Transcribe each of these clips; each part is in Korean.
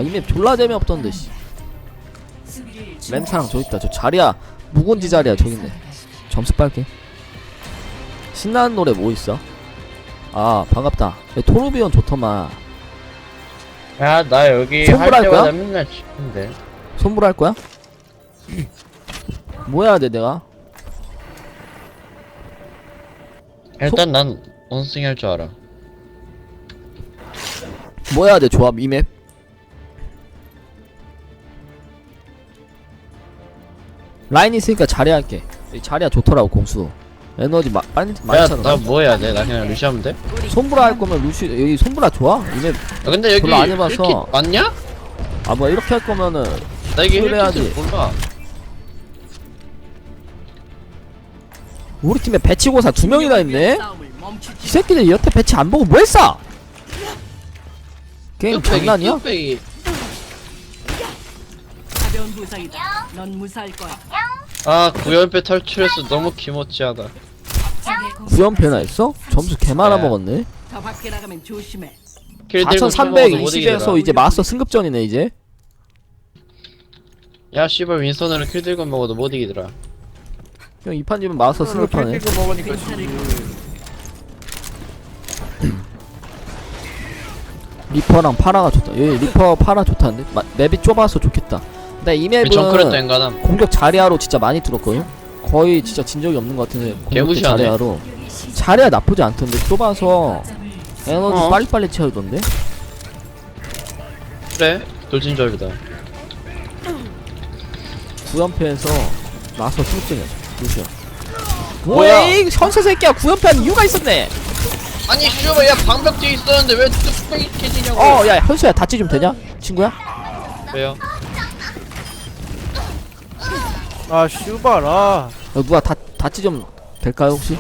아, 이 맵 졸라 재미없던데 씨. 램사랑 저기 있다. 저 자리야 묵은지 자리야 저기 있네. 점수 빨게. 신나는 노래 뭐 있어? 아 반갑다. 토르비온 좋더만. 야, 나 여기 손불 할 할 때마다 거야? 맨날 치는데. 손불할 거야? 뭐 해야 돼 내가? 일단 난 원숭이 할 줄 알아. 뭐 해야 돼 조합 이 맵? 라인 있으니까 자리야 할게. 자리야 좋더라고 공수. 에너지 많이 야, 차더라. 나 뭐 해야 돼? 나 그냥 루시 하면 돼? 손브라 할 거면 루시 여기 손브라 좋아? 이맵 야, 근데 여기 별로 안 해봐서. 1킷 맞냐? 아 뭐 이렇게 할 거면은 나 이게 그걸 해야지. 1킷을 몰라. 우리 팀에 배치고사 2명이나 있네? 이 새끼들 여태 배치 안 보고 뭐 했어? 게임 장난이야? 뚝배기. 가벼운 부상이다. 넌 무사할 거야. 아, 구연패 탈출해서 너무 기모찌하다. 구연패나 했어? 점수 개 많아 네. 먹었네. 더 밖에 나가면 조심해. 4320에서 이제 마스터 승급전이네 이제. 야, 씨발 윈선으로 킬 들고 먹어도 못 이기더라. 형 이 판지면 마스터 승급하네. 거 먹으니까 리퍼랑 파라가 좋다. 여기 리퍼 파라 좋다는데? 맵이 좁아서 좋겠다. 근데 이 맵은 정크렛도 엔가담. 공격 자리아로 진짜 많이 뚫었거든? 거의 진짜 진 적이 없는 것 같은데 공격 개무시하네. 자리아로. 자리아 나쁘지 않던데 좁아서 에너지 어? 빨리빨리 채우던데? 그래, 돌진조합이다. 9연패에서 마스터 승급전이야 루시오. 뭐야? 뭐야 현세 새끼야 9연패한 이유가 있었네. 아니, 씨발, 야, 방벽 뒤에 있었는데 왜 뚝배기 깨지냐고. 야 현수야 다치 좀 되냐? 친구야? 왜요? 아 슈발 아 누가 다치 좀 될까요 혹시?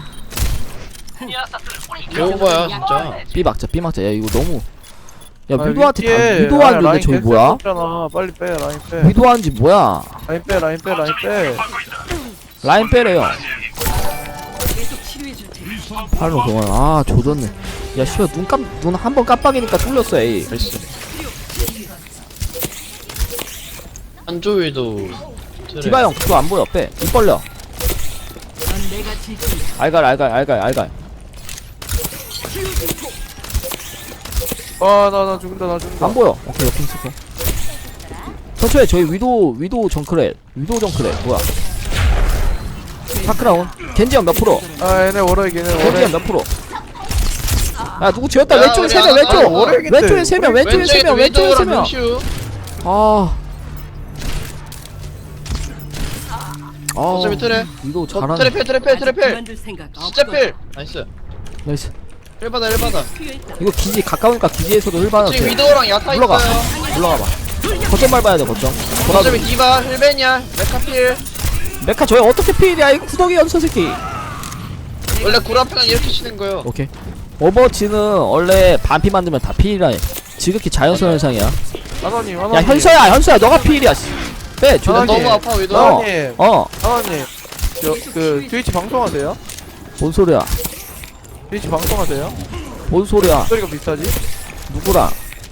배워봐야, 진짜. 삐 막자 야 이거 너무 야 아, 위도한테 위에 위도 하는데 라인 저기 캔슬 뭐야? 없잖아. 빨리 빼 라인 빼 위도 하는지 뭐야? 라인 빼 라인 빼 라인 빼 라인 빼래요. 계속 치료해 줄 테니. 팔로 그만. 아 조졌네. 야 씨발 눈 한 번 깜빡이니까 뚫렸어 에이. 나이스. 한조위도. 디바 형 그거 안 보여 빼. 입 벌려. 넌 내가 지킨. 알갈. 아나 죽는다 나 죽는다 안 보여. 오케이 오케이 스코. 서초에 저희 위도 정크렛 뭐야? 파크라운. 겐지 형 몇 프로? 아 얘네 워러이긴 해 겐지 형 워러이 몇 프로? 야 누구 지었다 야, 왼쪽에 우리 3명 하나 왼쪽 모르겠대. 왼쪽에 3명 왼쪽에 3명 왼쪽에 3명. 슈. 아 어차피 트레. 위도 저 잘하네. 트레필. 그만둘 생각 진짜 없거든. 필. 나이스. 나이스. 1받아. 필요했다. 이거 기지 가까우니까 기지에서도 흘받아도 지금 돼. 위도우랑 야타 올라가. 있어요. 올라가봐. 거점 밟아야 돼 거점. 어차피 디바, 힐벤이야, 메카필. 메카 저희 어떻게 피해야 이 구덩이 연서 새끼. 원래 구라평은 이렇게 치는 거요. 오케이. 오버워치는 원래 반피 만들면 다 피해라 해. 지극히 자연스러운 현상이야. 하나님 야 현수야 너가 피해야. 빼 난 주변. 너무 아파 위도. 어. 하나님 어. 하나님 그 트위치 방송하세요? 뭔 소리야? 트위치 방송하세요? 뭔 소리야? 소리가 비슷하지? 누구랑?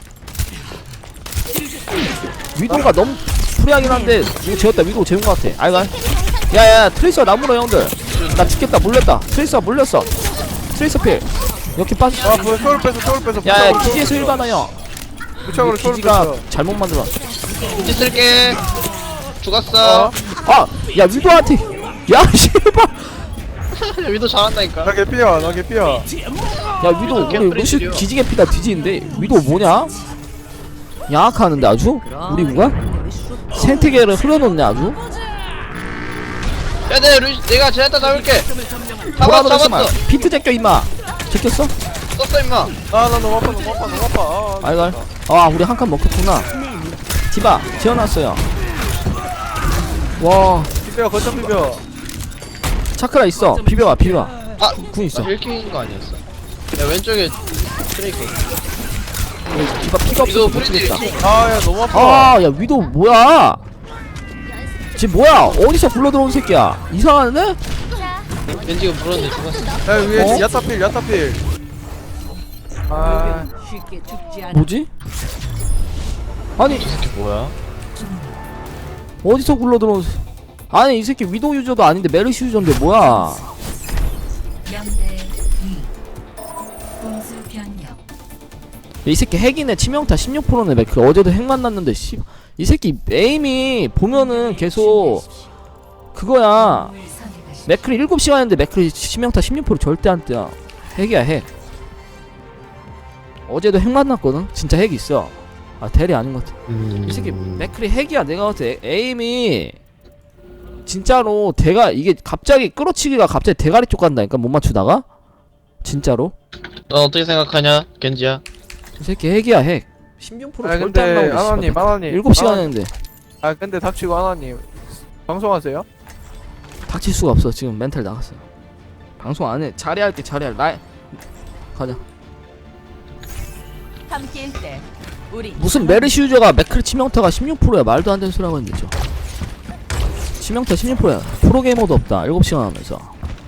위도가 너무 프리하긴 한데 이거 재웠다. 위도 재운 것 같아. 아이가. 야야 트레이서 나무로 형들. 나 죽겠다. 물렸다. 트레이서가 물렸어. 트레이서 필. 이렇게 빠져. 아 뭐 소울 뺐어 야야 기지에서 일반화 형. 부착으로 소울 기지가 뺐어 잘못 만들어. 이제 쓸게. 죽었어. 야 위도한테. 야 씨발. 위도 잘한다니까. 나 개피야 나 개피야 야 위도 우리 캠프리 루시 드디어. 기지개 피다 뒤지는데 위도 뭐냐? 양악하는데 아주? 우리 누가? 생태계를 흘려놓네 아주? 야, 내가 제한타 잡을게. 보라도 잡았어. 잠깐만 비트 제껴 임마. 제꼈어? 썼어 임마. 아나 너무 아파 알갈. 우리 한 칸 먹혔구나. 디바 지어놨어요. 와 비벼 거점 비벼 차크라 있어. 비벼봐. 아, 궁 있어. 1킬인 거 아니었어? 야, 왼쪽에 트레이크. 디바 피가 없어서 위도 못 프리지. 치겠다. 아야 너무 아파 야 위도 뭐야? 지금 뭐야? 어디서 굴러 들어온 새끼야? 이상하네? 겐지가 물었는데 죽었어. 야 위에 어? 야타필 아 쉽게 죽지 않아. 뭐지? 아니 이 새끼 뭐야? 어디서 굴러 들어온 아니 이 새끼 위도 유저도 아닌데 메르시 유저인데 뭐야. 0대2 공수 변경. 이 새끼 핵이네. 치명타 16%네 맥크. 어제도 핵 만났는데 씨. 이 새끼 에임이 보면은 계속 그거야. 을 선택하시. 맥크리 7시간인데 맥크리 치명타 16% 절대 안 뜨야. 핵이야 핵. 어제도 핵 만났거든. 진짜 핵 있어. 아 대리 아닌 것 같아. 이 새끼 맥크리 핵이야. 내가 봤을 때 에임이 진짜로 이게 갑자기 끌어치기가 갑자기 대가리 쪽 간다니까 못 맞추다가 진짜로. 너 어떻게 생각하냐, 겐지야? 이 새끼 핵이야 핵. 16% 아 절대 안 근데 나오고 아나님 아나님 7시간 했는데 아 근데 닥치고 아나님 방송하세요? 닥칠 수가 없어. 지금 멘탈 나갔어요. 방송 안 해. 자리할게 자리할. 라인 가자. 함께일 때 우리 무슨 메르시 유저가 맥크리 치명타가 16%야. 말도 안 되는 소리 하고 있는데 저. 치명타 16%야. 프로게이머도 없다. 7시간 하면서.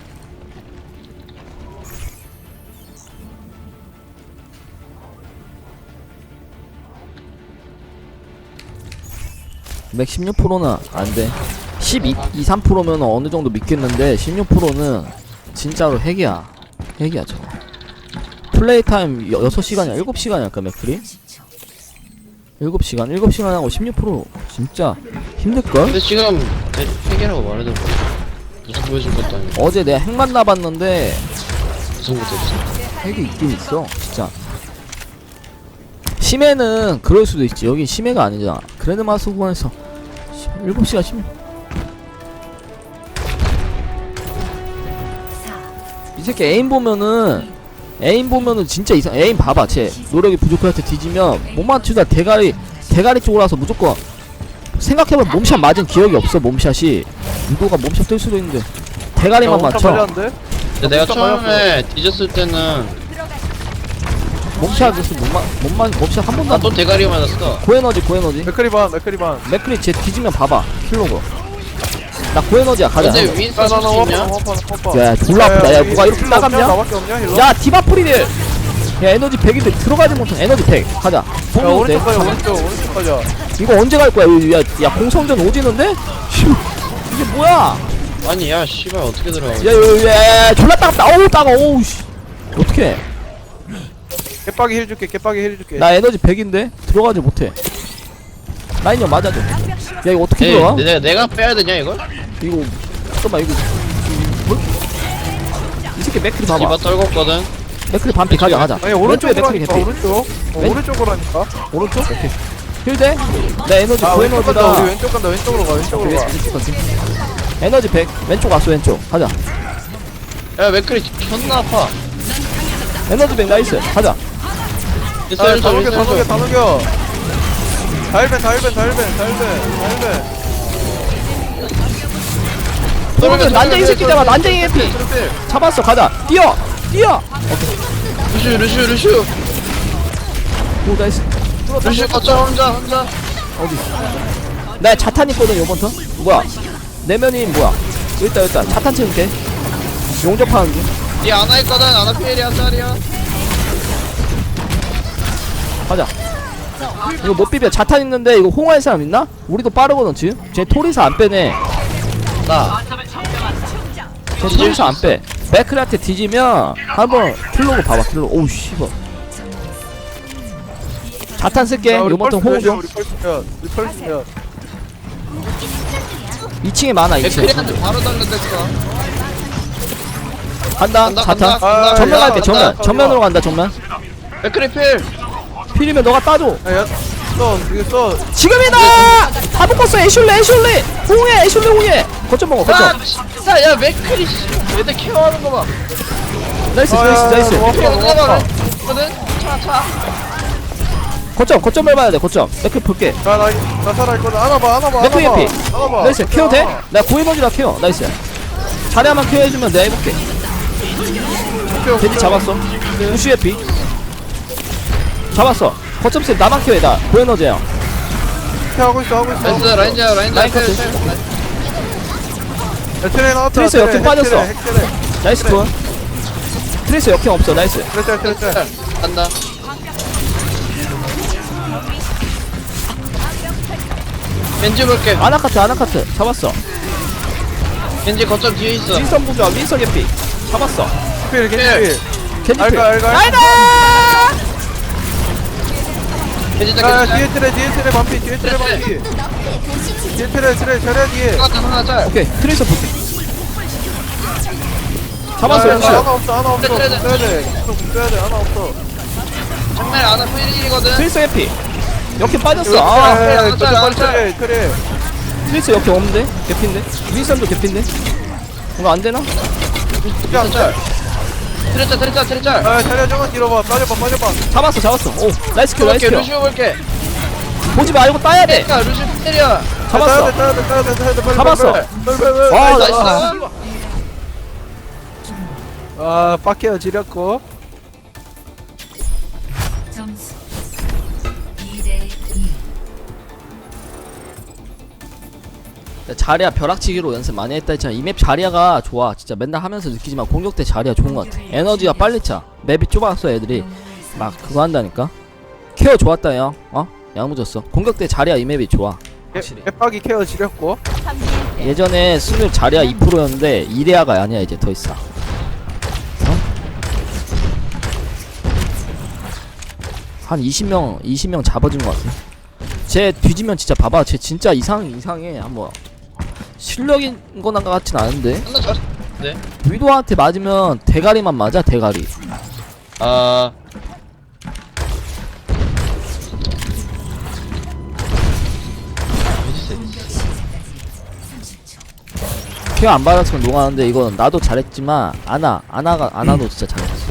맥 16%는 안돼. 3%면 어느 정도 믿겠는데 16%는 진짜로 핵이야. 핵이야 저거. 플레이 타임 6시간이야. 7시간이야 아까 맥크리. 7시간 7시간 하고 16% 진짜 힘들걸? 근데 지금 핵이라고 말해도 뭐 무슨 보여줄 것도 아니고 어제 내가 핵 만나봤는데 무슨 것도 없어. 핵이 있긴 있어 진짜. 심해는 그럴 수도 있지. 여기 심해가 아니잖아. 그랜드마스 구간에서 7시간 16. 이 새끼 에임 보면은 진짜 이상. 에임 봐봐. 쟤 노력이 부족할 때 뒤지면 못 맞추다 대가리 쪽으로 와서 무조건 생각해보면 몸샷 맞은 기억이 없어. 몸샷이 유도가 몸샷 뜰 수도 있는데 대가리만 맞춰. 맞췄는데? 근데 내가 처음에 뒤졌을 때는 몸샷에서 몸샷 한 번도 안. 또 대가리 맞았어. 고에너지 맥크리 반 맥크리 쟤 뒤지면 봐봐. 킬로그 나 고에너지야. 가자. 근데 윈스턴 아, 쓸수 있냐? 야 졸라 아프다. 야 뭐가 이렇게 따갑냐? 나밖에 없냐 힐러? 야 디바프리들. 야 에너지 100인데 들어가지 못한 에너지 100. 가자. 야 성공 돼. 오른쪽 가자 오른쪽 가자. 이거 언제 갈 거야? 야 공성전 오지는데? 이게 뭐야? 아니 야 씨발 어떻게 들어가? 야 졸라 따갑다. 어우 따가. 어우 씨. 어떡해. 개빡이 힐 줄게 개빡이 힐 줄게. 나 에너지 100인데 들어가지 못해. 라인형 맞아줘. 야 이거 어떻게 에이, 들어가? 내가 빼야 되냐 이걸? 이거 잠깐만 이거 뭐? 이 새끼 맥크리 봐봐. 디바 떨궜거든. 맥크리 반피 가자. 아니 왼쪽에 오른쪽으로 맥크리 하니까 개피. 오른쪽 왼- 오른쪽으로 하니까. 오른쪽? 오케이. 힐대? 나 에너지 아 왼쪽 간다 고에너지다. 우리 왼쪽 간다 왼쪽으로 가 왼쪽으로 가. 왼쪽 가지. 에너지 100. 왼쪽 왔어 왼쪽. 가자. 야 맥크리 존나 아파. 에너지 100 나이스. 가자. 있어 아, 있어 다 녹여 다 녹여 있어. 다 녹여. 다일벤. 그러면 난쟁이 새끼잖아. 난쟁이 해피. 잡았어. 가자. 뛰어. 루슈. 오 나이스. 루슈 거쳐 혼자. 어디? 나 자탄 있거든 요번 턴. 뭐야? 내면이 뭐야? 여기 있다. 자탄 채울게. 용접하는 중. 니 아나 있거든. 아나 피엘이야 짤이야. 가자. 이거 못 비벼. 자탄 있는데 이거 홍할 사람 있나? 우리도 빠르거든 지금. 쟤 토리사 안 빼네. 나. 쟤 토리사 안 빼. 맥크리한테 뒤지면 한번 킬로그 봐봐. 킬로그. 오우 씨발. 자탄 쓸게. 요번 턴 호응 좀. 우리 펄스면 2층에 많아. 2층. 맥크리한테 바로 달려댔어. 간다. 자탄. 아, 전면 야, 갈게. 간다. 전면으로 간다. 전면. 맥크리 필. 필이면 너가 따줘. 이거 지금이다! 다 묶었어. 애슐레. 홍해. 애슐레 홍해. 거점 먹어. 아 거점. 진짜 야 맥크리 씨. 얘들 케어하는 거 봐. 나이스. 맥크리 어디가 거든. 차. 거점 밟아야 돼. 거점. 맥크 볼게. 나 살아있거든. 안아봐 맥크 해피. 나이스. 케어 돼? 나 고에너지라 케어. 나이스. 자리야만 케어해주면 내가 해볼게. 돼지 잡았어. 우슈 해피. 잡았어. 거점 셋 나만 케어해. 나 고에너지야. 하고 있어 나이스 라인자 라인 필. 트레 나왔다. 트레이서 역행 빠졌어. 핵트레. 나이스 톤. 트레이스 역행 없어. 나이스. 트레. 간다. 겐지 볼게. 아나카트 잡았어. 겐지 거점 뒤에 있어. 윈선 부좌 윈선 개피 잡았어. 필 겐지 겐지 알가 알가 알가. 겐지 아 딱 뒤에 트레 반피 뒤에 트레 반피 뒤에 트레 자리야 뒤에 하나 짤. 오케이 트레이서 볼게. 잡았어. 야, 역시. 하나 없어 트레, 트레. 써야 돼 하나 없어 장난 아나 프리딜이거든. 트레이서 해피. 역행 빠졌어. 이거 아 트레 트레이서 역행 없는데 개피인데. 윈선도 개피인데. 이거 안 되나? 짤. 트레 짤. 아 자리야 저거 뒤로 봐 빠져봐 잡았어. 오 나이스 킬 나이스 볼게. 킬. 루시오 볼게. 보지 말고 따야 돼. 야 루시오 때려. 잡았어. 따야 돼 빨리 잡았어. 빨리 와, 나이스. 아 빡해요 지렸고 점수 2대 2. 자리야 벼락치기로 연습 많이 했다 했잖아. 이 맵 자리야가 좋아. 진짜 맨날 하면서 느끼지만 공격 때 자리야 좋은 것 같아. 에너지가 빨리 차. 맵이 좁아서 애들이 막 그거 한다니까. 케어 좋았다 형. 야무졌어. 공격 때 자리야 이 맵이 좋아. 확실히. 개빡이 케어 지렸고 예전에 승률 자리야 2%였는데 이레아가 아니야 이제 더 있어. 한 20명 잡아준 것 같아. 쟤 뒤지면 진짜 봐봐. 쟤 진짜 이상해. 한번 실력인 거나 같진 않은데. 하나 잘. 네. 위도한테 맞으면 대가리만 맞아. 대가리. 아. 케어 안 받았으면 농하는데 이건 나도 잘했지만 아나도 진짜 잘했어.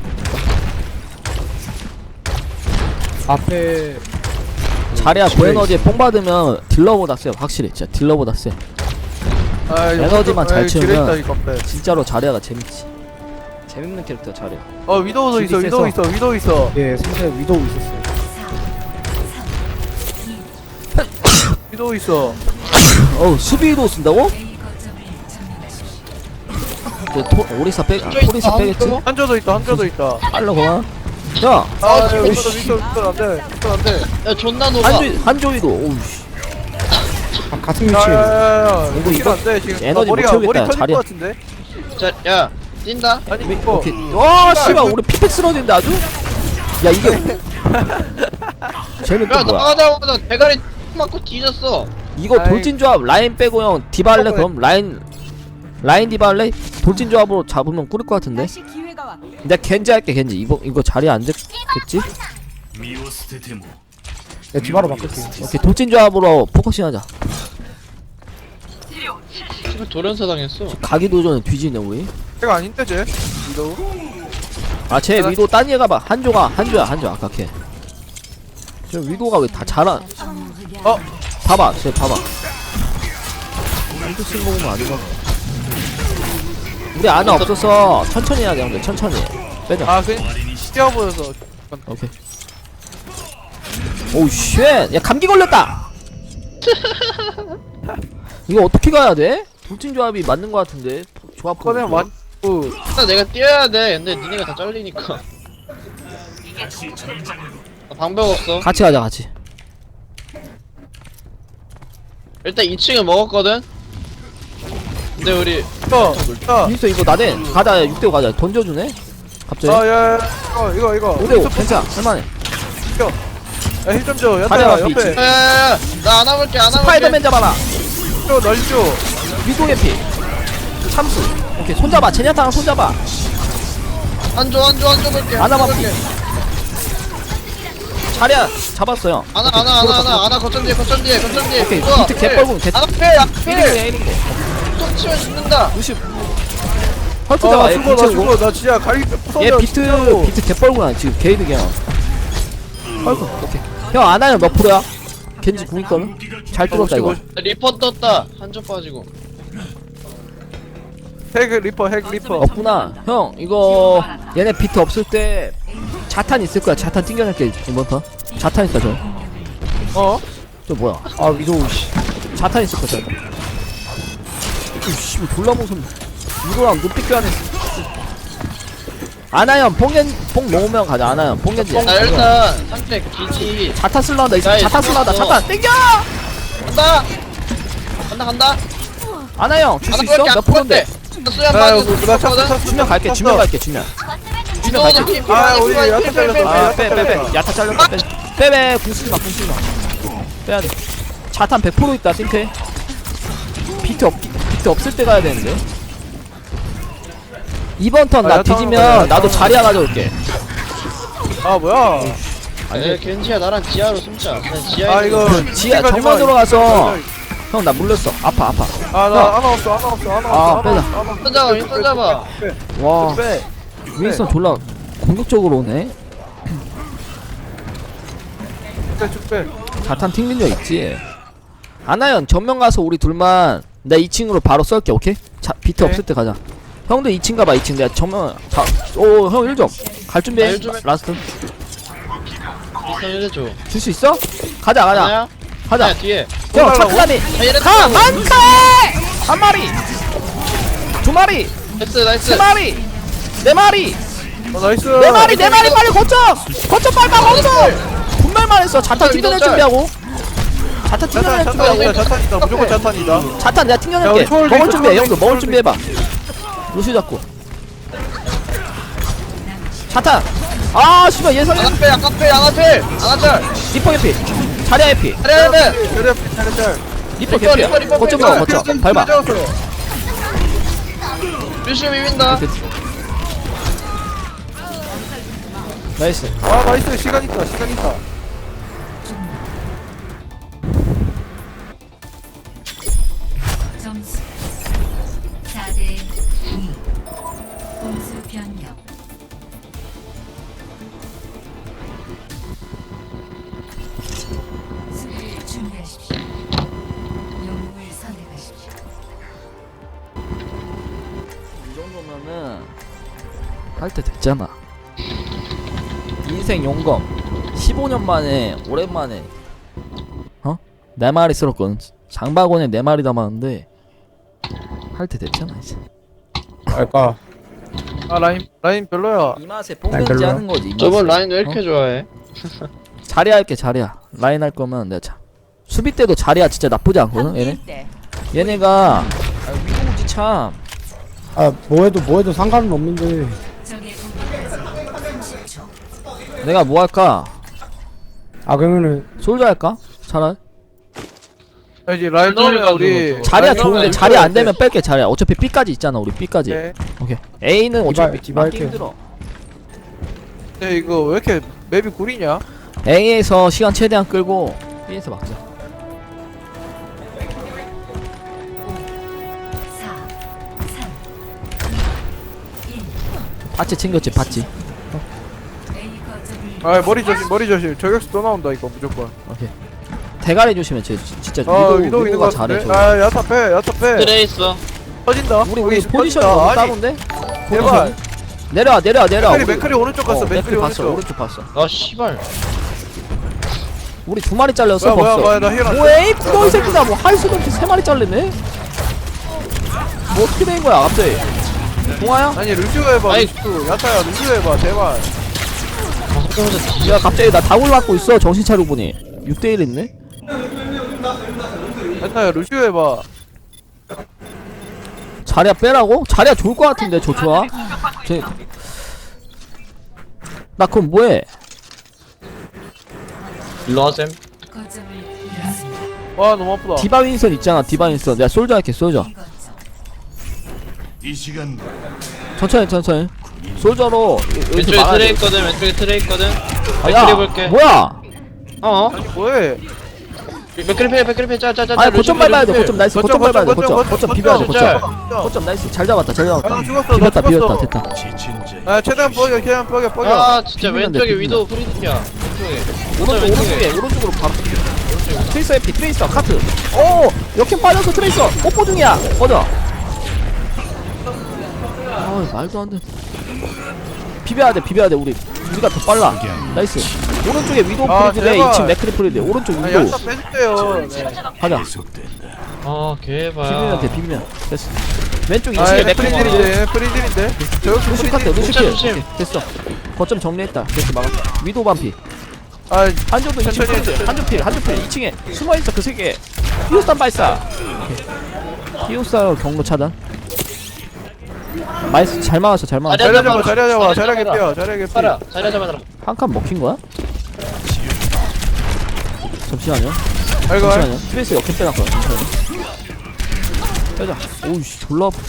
앞에 자리야 고에너지에 뽕 받으면 딜러보다 세. 확실히 진짜 딜러보다 세. 에너지만 잘 채우면 진짜로 자리야가 재밌지. 재밌는 캐릭터 자리야. 위도우도 있어 위도우 있어 예, 상대 위도우 있었어요. 위도우 있어 수비도 쓴다고? A 거점을 점령하십시오. 오리사 토리사 빼겠지? 한조도 있다 빨라 그만. 야 위도 안돼 야 존나 녹아. 한조이도 오우씨. 같은 위치에. 이거 이거 안돼 지금 에너지 못 머리 채우겠다, 터질 자리야. 것 같은데 자, 야 뛴다. 아니 이거 오케이. 와 씨발 우리 피팩 쓰러진데 아주. 야 이게 쟤는 또 야 뭐야? 나가자마자 대가리 맞고 뒤졌어. 이거 아이. 돌진 조합 라인 빼고 형 디발레 그럼 라인 디발레 돌진 조합으로 잡으면 꿀일 것 같은데. 다시 기회가 왔. 내가 겐지 할게 겐지. 이거 자리 안 됐겠지? 네, 디바로 바꿀게. 오케이 돌진 조합으로 포커싱 하자. 지금 돌연사 당했어. 가기 도전에 뒤지네 우리. 제가 아닌데 쟤 위도우 쟤 위도 딴 얘가 봐. 한조야 아까 걔. 저 위도가 왜 다 잘한. 봐봐 쟤 봐봐. 한조 쓴거 보면 아니가. 우리 아나 없어서 천천히 해야 돼 형들. 천천히 빼자. 아 그냥 뛰어보여서 오케이. 오우 쉣. 야 감기 걸렸다. 이거 어떻게 가야 돼? 돌진 조합이 맞는 거 같은데. 조합 그냥 보면. 완 일단 내가 뛰어야 돼. 근데 니네가 다 잘리니까. 방법 없어. 같이 가자 같이. 일단 2층을 먹었거든. 근데 우리 윈스터 이거 나대. 가자 6대5 가자. 던져주네. 갑자기. 아야 이거 5대5 괜찮아 할만해. 야힐좀줘 가려라, 야타 비치. 옆에 야야야 나 안아볼게 스파이더맨 잡아라. 널줘 위도 개피. 참수. 오케이 손잡아. 제냐타랑 손잡아. 안줘 볼게. 안아봐, 볼게. 자리야 잡았어요. 안아 거점 뒤에 오케이 좋아. 비트 개뻘군 개. 안아 필 톡 치면 죽는다. 루시. 헐크 잡아. 얘 죽어 비트고. 나 진짜 가위 얘 부서져 비트 개뻘구나 지금 게이드 그냥. 헐크. 오케이. 형 안하면 몇 프로야? 겐지 궁 있거든. 잘 뚫었다 이거. 리퍼 떴다. 한점 빠지고. 핵 리퍼 없구나. 형 이거 얘네 비트 없을 때 자탄 있을 거야. 자탄 튕겨낼게 이번 턴. 자탄 있다 저. 저 뭐야? 아, 위도우, 씨. 자탄 있을 거야. 자탄. 이씨 졸라 무슨 이거랑 눈빛 교환했어. 아나연 뽕 모으면 가자. 아나연 뽕겐지. 나 일단 상대 기지. 자탄 쓸라한다. 야, 자탄 쓸라한다. 있어. 자탄 땡겨. 간다. 아나 형 줄 수 하나 있어? 볼게, 몇 프로인데? 수면 나 빠져. 이거 나 찼어. 주면 갈게 주면 갈게 주면 갈게. 아 우리 야타 잘렸어. 아빼빼빼 야타 잘렸다 빼빼 궁쓰지마 빼야돼. 자탄 100% 있다 싱크에. 비트 없을 때 가야 되는데. 이번 턴 나 야타 뒤지면 하는 거야, 나도 야타 자리야 가져올게. 아 뭐야? 에 겐지야 나랑 지하로 숨자. 지하에 아 이거 지하 시간이 정면 막- 들어가서 형 나 물렸어. 아파 아나 하나 없어. 빼자. 손 잡아. 와 빼. 윈스턴 졸라 공격적으로 오네. 쭉 빼. 자탄 튕긴 적 있지. 아나연 전면 가서 우리 둘만 나 2층으로 바로 썰게. 오케이? 자 비트 네. 없을 때 가자. 형도 2층 가봐. 2층 내가 전면 오형 1점 갈 준비해. 아, 1 좀 해. 라스트 일단 해줘. 줄 수 있어? 가자 하나야? 가자. 하나야, 뒤에. 형 올라가고? 차크라니 얘네 가! 또- 많다! 한 마리! 두 마리! 나이스. 세 마리! 네 마리! 나이스. 네 마리! 네 마리! 빨리 거점! 거점 빨리 가! 거점! 분말만 했어. 자탄 튕겨낼 준비하고. 자탄 튕겨낼 준비하고. 자탄이다. 무조건 자탄이다. 자탄 내가 야, 튕겨낼게. 우리 초월 먹을 링크, 준비해. 초월 형도 링크, 먹을 초월 준비해봐. 루시 잡고. 자탄! 아 씨발 예상해. 양아필. 리퍼 해피. 자리야 해피. 잘해. 차례. 리퍼 리퍼, 개피야. 리퍼, 거점 리퍼. 먹어 거점. 밟아. 루시 비빈다. 나이스. 아 나이스. 시간 있다. 점수 4대 2. 공수 변경. 수비를 준비하십시오. 영웅을 선택하십시오. 이 정도면은 할 때 됐잖아. 인생 용검 15년 만에 오랜만에 네 마리 쓸었거든. 장바구니에 네 마리 담았는데 할 때 됐잖아 이제. 알까? 아 라인 별로야. 이 맛에 뽕겐지 하는 거지. 이 맛에. 저번 라인 왜 이렇게 좋아해? 자리야 할게 자리야. 라인 할 거면 내가 수비 때도 자리야 진짜 나쁘지 않거든 얘네. 때 얘네가 위도우지 참. 아 뭐해도 상관은 없는데. 적의 공격까지 30초. 내가 뭐 할까? 아 그러면은 솔저 할까? 차라리 이제 라인 돌려 우리. 자리야 라인 좋은데 돌려. 자리 안 되면 뺄게. 자리야 어차피 B까지 있잖아 우리 B까지. 네. 오케이. A는 어차피 디바 맞기 할게. 힘들어. 근데 이거 왜 이렇게 맵이 구리냐? A에서 시간 최대한 끌고 B에서 막자. 4, 3, 2, 1. 파츠 챙겼지 파츠. A 거점을 아 머리 조심. 저격수 또 나온다 이거 무조건. 오케이. 대가리 조심해. 쟤 진짜 위도 있는 거 위도가 잘해. 같은데. 저. 아 야타 빼. 트레 있어. 터진다. 우리 여기 포지션이 터진다. 너무 아니, 따로인데? 제발. 내려와. 맥클이 오른쪽 갔어. 맥클이 봤어. 오른쪽. 오른쪽 봤어. 아 씨발. 우리 두 마리 잘렸어 뭐야 벌써. 나 힐. 뭐해? 구덩이 새끼다. 뭐 할 수도 없이 세 마리 잘리네. 뭐 어떻게 된 거야 갑자기? 동아야? 아니 루시오 해봐. 아이. 루시오. 야타야 루시오 해봐 제발. 야 갑자기 나 다굴 맞고 있어. 정신 차리고 보니 6대1 있네. 야타야 루시오 해봐. 자리야 빼라고? 자리야 좋을 것 같은데 저 좋아. 나 그럼 뭐해? 일로 와셈. 거점을 잃었습니다. 와 너무 아프다. 디바 윈선 있잖아. 디바 윈선. 내가 솔저 할게. 솔저. B 거점. 천천히. 솔저로 여기서 왼쪽에 막아야 트레 돼. 있거든. 왼쪽에 트레 있거든. 아, 맥크리 야 볼게. 뭐야? 어? 아니 뭐해? 맥크리 짜짜짜. 아니 고점 밟아야 돼. 고점 나이스. 고점 밟아야 돼. 고점 비벼야 돼. 거점. 고점 나이스. 잘 잡았다. 아, 죽었어, 나 비볐다. 죽었어. 됐다. 아 최대한 뻐겨. 아 진짜 비비면 돼, 왼쪽에 비비면. 위도우 프리드야. 왼쪽에. 오른쪽으로 바로. 트레이서 해피. 트레이서 카트. 오 역행 빠져서 트레이서. 뽀뽀 중이야. 꺼져. 아 말도 안 돼. 비벼야 돼. 우리가 더 빨라. 나이스. 오른쪽에 위도우 아, 프리드래. 제발. 2층 맥크리 프리드. 오른쪽 아 위도우. 야타 빼주세요. 네. 가자. 아 비비면 개발. 돼. 됐어. 왼쪽 아 2층에 얘네 맥크리 프리딜인데. 저격수 루시 카트. 프리딜. 루시 조심, 킬. 조심. 됐어. 거점 정리했다. 됐어 막았어. 위도우 반피. 아 한조도 2층 천천히 프리드. 한조 필. 2층에 숨어있어 그 세개. 히오스탄 발사. 히오스탄 경로 차단. 나이스. 잘 막았어. 잘 막았어. 자리야 잡아 자리야 잡아 자리야 개피야 자리야 개피 빨아 자리 잡아라. 한 칸 먹힌 거야? 잠시만요. 아이고 잠시만요. 트레이스 역행 빼놨거든. 잠시만요. 빼자. 오우씨 졸라 아파.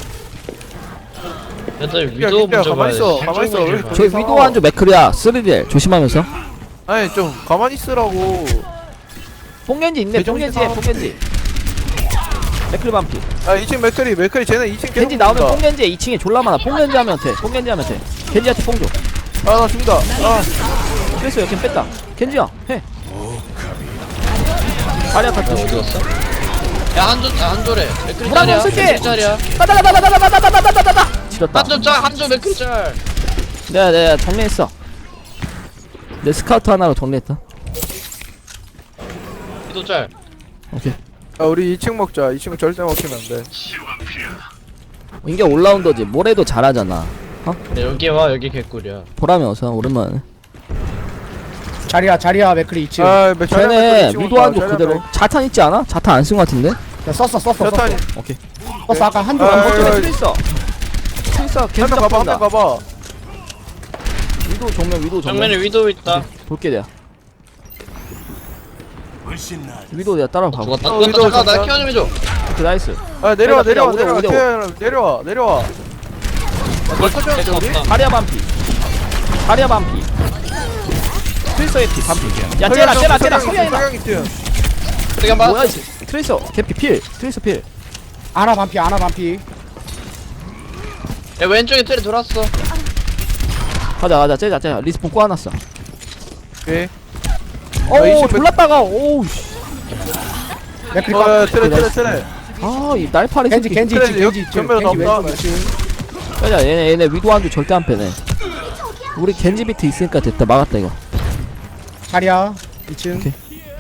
일단 개피야 위도 개피야 먼저 가만히 있어 봐야지. 가만히 있어 왜 이렇게 저희 싸워? 위도 한조 맥크리야. 3딜 조심하면서. 아니 좀 가만히 있으라고 뽕겐지 있네. 뽕겐지에 뽕겐지. 맥크리 반피. 아 2층 맥크리 쟤네 2층 계속 겐지 나오면 죽는다. 뽕겐지에 2층에 졸라 많아. 뽕겐지 하면 돼. 뽕겐지 하면 돼. 겐지한테 뽕 줘. 아 나 죽는다 아 트레이스 역행 뺐다. 겐지야 해. 자리야 탈 때. 죽었어? 야 한조래. 맥크리 물 한번 짤이야. 쓸게. 맥크리 짤이야. 따다다다다다다다다다다다. 지렸다. 한조 짤 한조 맥크리 짤. 내가 정리했어. 내 스카우트 하나로 정리했다. 위도 짤. 오케이. 야, 우리 2층 먹자 2층 절대 먹히면 안돼 이게 올라운더지. 뭐래도 잘하잖아. 네, 여기 와 여기 개꿀이야. 보람이 어서 오랜만에. 자리야 맥크리 2층. 아 쟤네 위도 한조 그대로. 자탄 있지 않아? 자탄 안 쓴 거 같은데? 야, 썼어. 자탄이 오케이. 썼어 아까 한조 아, 안 아, 먹잖아. 아, 트레이서. 트레이서 한 계속 명 가봐 한 명 잡는다. 가봐 위도 정면 위도 정면. 정면에 위도 있다. 볼게 내가. 위도 내가 따라가 봐. 죽었다. 어, 죽었다. 위도 잠깐 나 잠깐. 케어 좀 해줘. 그 나이스. 아 내려와 내려, 내려와 내려, 내려와 내려와 내가 없다. 다리아 반피. 다리아 반피. 트레이서 에피 반피. 야 쟤라 서양이다. 성향이 뛰어 내가 봐. 뭐야 이 트레이서 개피 필. 트레이서 필. 아나 반피. 야 왼쪽에 테레 돌았어. 가자 째자 리스폰 꼬아놨어. 오케이 오 이십 졸랐다가 오우 씨. 맥크리 어 트레 아이 날파리 겐지 새끼. 겐지 그래, 2층 겐지 2층 전면에 겐지 없다. 왼쪽 2층. 빼자 얘네 위도 한조 절대 안 빼네. 우리 겐지 비트 있으니까 됐다. 막았다 이거. 자리야 2층. 오케이.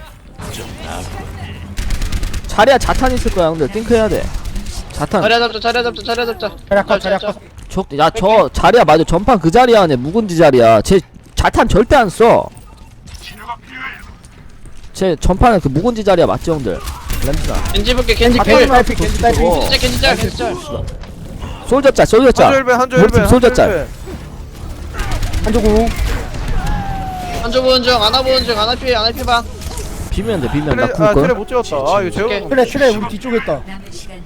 자리야 자탄 있을 거야 형들. 띵크 해야 돼. 자탄. 자리야 잡자. 자리야 컷. 저 자리야 맞아. 전판 그 자리야 하네. 묵은지 자리야. 쟤 자탄 절대 안 써. 쟤 전판에 그 묵은지 자리야 맞지 형들. 램스나. 겐지 볼게. 겐지 아, 필. 겐지 딸피 겐지 딸피. 어. 겐지 짤. 솔저 짤. 한조 우리 팀 1배 솔저 짤. 한조구. 한조 보는 중. 아나 보는 중. 아나 피 봐. 비면 돼. 비면 나 트레 굴 트레 걸. 못 찍었다 아 이거 재워 트레 우리 뒤쪽에 있다. 남은 시간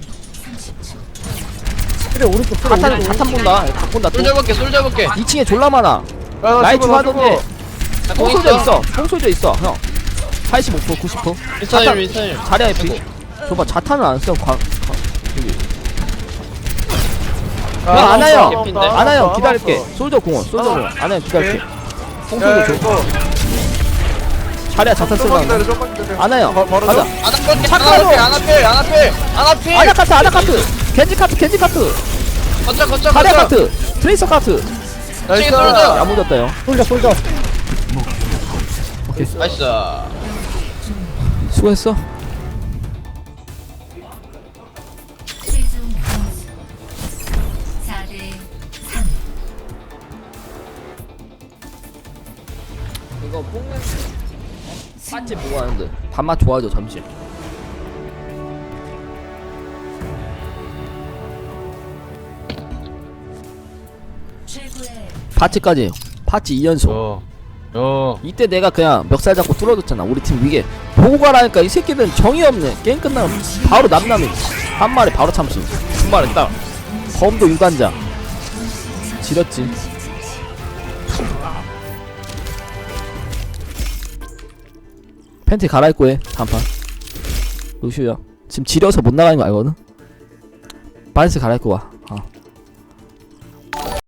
30초. 트레 오른쪽 트레 자탄 오른쪽. 자탄 본다. 다 본다. 또. 솔져 볼게. 2층에 졸라 많아. 나 라이트 죽어, 나 하던데. 나 공 뽕소저 있어. 있어. 뽕소저 있어. 형. 85% 90%. 윈스턴님. 자리야 에피. 줘봐 자탄은 안 써. 여기. 아, 형 안아요. 개핀데? 안아요. 기다릴게. 솔저 공원. 솔저 공원. 안아요. 기다릴게. 야 뽕소저 줘. 이거 자리야 자탄 좀만 쓰다. 기다려 좀만 기다려 안아요. 바로 가자. 아나 볼게. 착하죠? 아나 필. 아나카트. 겐지 카트. 거쳐. 자리야 카트. 트레이서 카트. 나이스 솔져. 야무졌다 형. 솔져. 나이스. 수고했어. 최종 점수 4대 3. 이거 뽕냄 맛집 뭐 하는데? 밥맛 좋아져 잠시. 최고의 파츠까지. 파츠 2연속. 이때 내가 그냥 멱살 잡고 뚫어줬잖아. 우리 팀 위에 보고 가라니까 이 새끼들은 정이 없네. 게임 끝나면 바로 남남이 한 마리 바로 참수. 두 마리 딱. 범도 유단자. 지렸지. 팬티 갈아입고 해. 단판. 루시우야. 지금 지려서 못 나가는 거 알거든? 바이스 갈아입고 와.